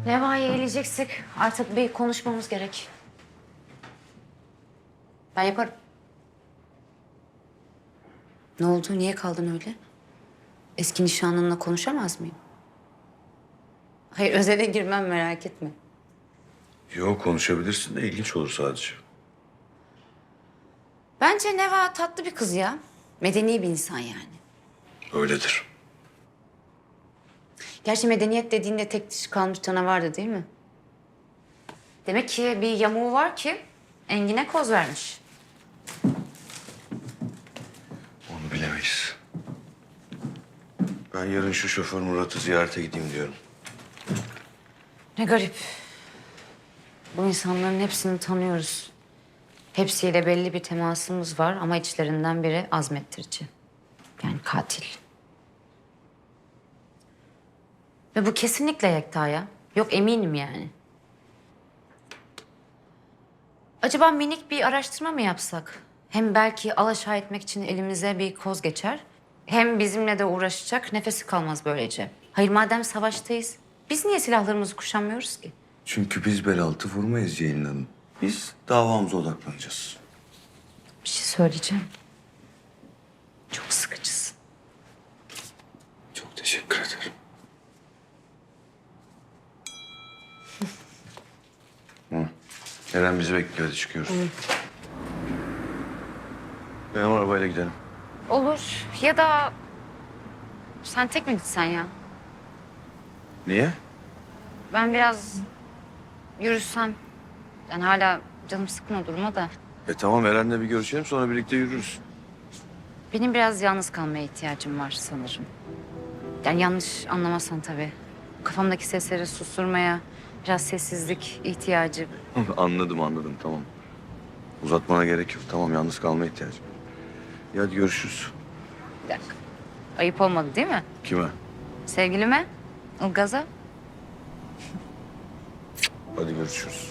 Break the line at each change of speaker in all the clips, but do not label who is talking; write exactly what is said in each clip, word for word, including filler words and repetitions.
Neva'yı eleyeceksek artık bir konuşmamız gerek. Ben yaparım. Ne oldu? Niye kaldın öyle? Eski nişanlınla konuşamaz mıyım? Hayır, özele girmem, merak etme.
Yok, konuşabilirsin de ilginç olur sadece.
Bence Neva tatlı bir kız ya. Medeni bir insan yani.
Öyledir.
Gerçi medeniyet dediğinde tek dişi kalmış canavardı değil mi? Demek ki bir yamuğu var ki Engin'e koz vermiş.
Onu bilemeyiz. Ben yarın şu şoför Murat'ı ziyarete gideyim diyorum.
Ne garip. Bu insanların hepsini tanıyoruz. Hepsiyle belli bir temasımız var ama içlerinden biri azmettirici. Yani katil. Ve bu kesinlikle Yekta'ya. Yok, eminim yani. Acaba minik bir araştırma mı yapsak? Hem belki alaşağı etmek için elimize bir koz geçer. Hem bizimle de uğraşacak, nefesi kalmaz böylece. Hayır, madem savaştayız, biz niye silahlarımızı kuşanmıyoruz ki?
Çünkü biz bel altı vurmayız Ceylin Hanım. Biz davamıza odaklanacağız.
Bir şey söyleyeceğim. Çok sıkıcısın.
Çok teşekkür ederim. Hı. Eren bizi bekliyor, hadi çıkıyoruz. Benim arabayla gidelim.
Olur. Ya da sen tek mi gitsen ya?
Niye?
Ben biraz yürüsem. Yani hala canım sıkkın o duruma da.
E tamam, Eren'le bir görüşelim, sonra birlikte yürürüz.
Benim biraz yalnız kalmaya ihtiyacım var sanırım. Yani yanlış anlamazsan tabii. Kafamdaki sesleri susturmaya biraz sessizlik ihtiyacı.
Anladım, anladım, tamam. Uzatmana gerek yok, tamam, yalnız kalmaya ihtiyacım. İyi, hadi görüşürüz.
Bir dakika. Ayıp olmadı değil mi?
Kime?
Sevgilime, Ilgaz'a.
Hadi görüşürüz.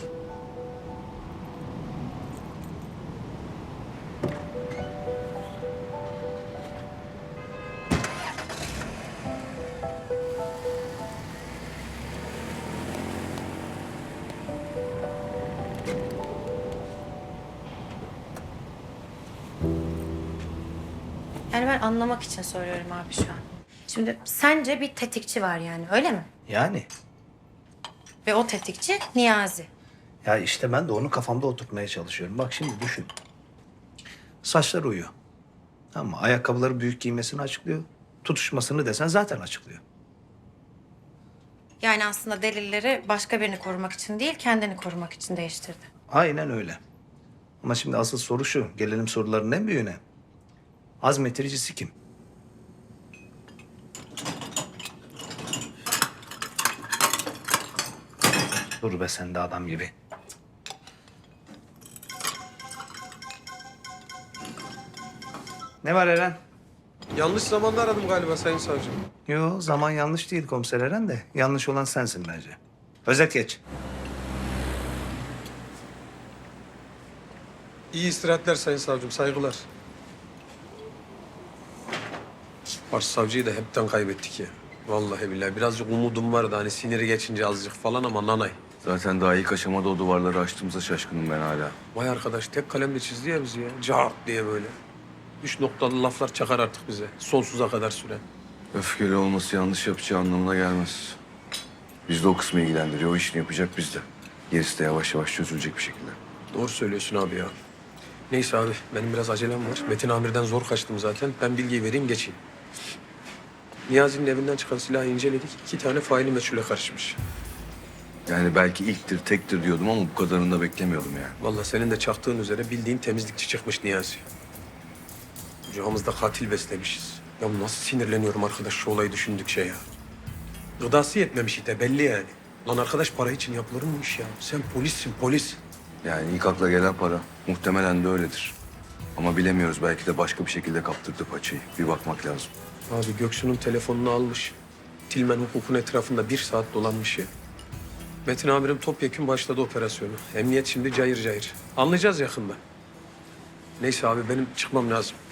Yani ben anlamak için soruyorum abi şu an. Şimdi sence bir tetikçi var yani, öyle mi?
Yani.
Ve o tetikçi Niyazi.
Ya işte ben de onu kafamda oturtmaya çalışıyorum. Bak şimdi düşün. Saçlar uyuyor. Ama ayakkabıları büyük giymesini açıklıyor. Tutuşmasını desen zaten açıklıyor.
Yani aslında delilleri başka birini korumak için değil, kendini korumak için değiştirdi.
Aynen öyle. Ama şimdi asıl soru şu. Gelelim soruların en büyüğüne. Azmettiricisi kim? Dur be sen de adam gibi. Ne var Eren?
Yanlış zamanda aradım galiba Sayın Savcım.
Yo, zaman yanlış değil komiser Eren de. Yanlış olan sensin bence. Özet geç.
İyi istirahatler Sayın Savcım, saygılar. Başsavcıyı da hepten kaybettik ya. Vallahi billahi birazcık umudum vardı hani siniri geçince azıcık falan ama nanay.
Zaten daha ilk aşamada o duvarları açtığımıza şaşkınım ben hala.
Vay arkadaş tek kalemle çizdi ya bizi ya. Cart diye böyle. Üç noktalı laflar çakar artık bize. Sonsuza kadar süren.
Öfkeli olması yanlış yapacağı anlamına gelmez. Biz de o kısmı ilgilendiriyor. O işini yapacak biz de. Gerisi de yavaş yavaş çözülecek bir şekilde.
Doğru söylüyorsun abi ya. Neyse abi benim biraz acelem var. Metin Amir'den zor kaçtım zaten. Ben bilgiyi vereyim geçeyim. Niyazi'nin evinden çıkan silahı inceledik. İki tane faili meçhule karışmış.
Yani belki ilktir, tektir diyordum ama bu kadarını da beklemiyordum yani.
Vallahi senin de çaktığın üzere bildiğin temizlikçi çıkmış Niyazi. Kucağımızda katil beslemişiz. Ya nasıl sinirleniyorum arkadaş şu olayı düşündükçe ya. Gıdası yetmemiş ite belli yani. Lan arkadaş para için yapılır mı iş ya? Sen polissin polis.
Yani ilk akla gelen para. Muhtemelen de öyledir. Ama bilemiyoruz. Belki de başka bir şekilde kaptırdı paçayı. Bir bakmak lazım.
Abi Göksu'nun telefonunu almış. Tilmen hukukun etrafında bir saat dolanmış ya. Metin amirim topyekun başladı operasyonu. Emniyet şimdi cayır cayır. Anlayacağız yakında. Neyse abi benim çıkmam lazım.